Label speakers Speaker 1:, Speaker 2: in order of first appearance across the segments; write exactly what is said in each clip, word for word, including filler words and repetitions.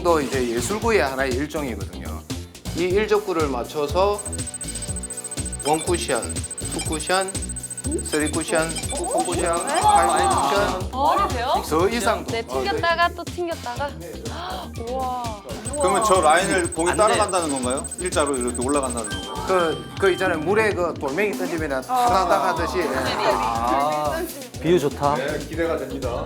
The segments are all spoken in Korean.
Speaker 1: 쿠션도 이제 예술구의 하나의 일종이거든요. 이 일족구를 맞춰서 원 쿠션, 투 쿠션, 쓰리 쿠션, 포 쿠션, 파이브 쿠션,
Speaker 2: 말이 돼요?
Speaker 1: 더 이상도.
Speaker 2: 네, 튕겼다가 또 튕겼다가. 우와.
Speaker 3: 그러면 저 라인을 공이 따라간다는 건가요? 일자로 이렇게 올라간다는 건가요?
Speaker 1: 그, 그 있잖아요. 물에 그 돌멩이 던지면 타다닥 하듯이.
Speaker 4: 아, 비유 좋다.
Speaker 3: 네, 기대가 됩니다.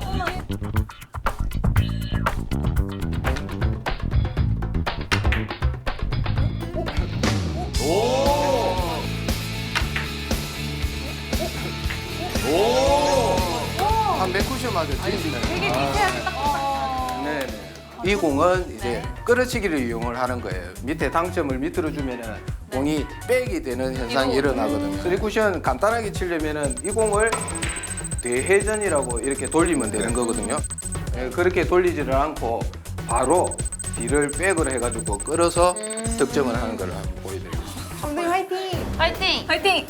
Speaker 1: 한 몇 쿠션 맞아 던지면.
Speaker 2: 되게 미세하게 딱.
Speaker 1: 네네. 이 공은 이제 끌어치기를 이용을 하는 거예요. 밑에 당점을 밑으로 주면은 공이 백이 되는 현상이 일어나거든요. 쓰리 쿠션 간단하게 치려면은 이 공을 대회전이라고 이렇게 돌리면 되는 거거든요. 예, 그렇게 돌리지를 않고 바로 뒤를 백으로 해가지고 끌어서 득점을 하는 걸 한번 보여드리겠습니다.
Speaker 5: 감독님 화이팅!
Speaker 2: 화이팅!
Speaker 5: 화이팅!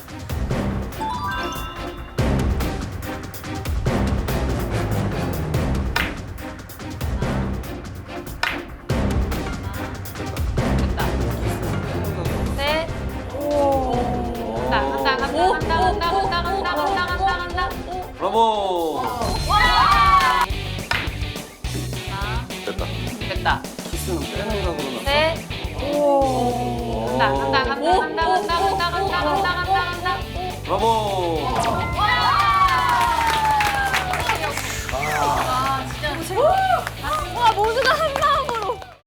Speaker 2: 셋. 간다, 간다, 간다, 간다, 간다, 간다, 간다, 간다, 간다, 간다.
Speaker 3: 브라보! 됐다.
Speaker 2: 됐다.
Speaker 1: 키스는 빼는 거 그러나?
Speaker 2: 셋. 간다, 간다, 간다, 간다, 간다, 간다, 간다, 간다, 간다, 간다.
Speaker 3: 브라보!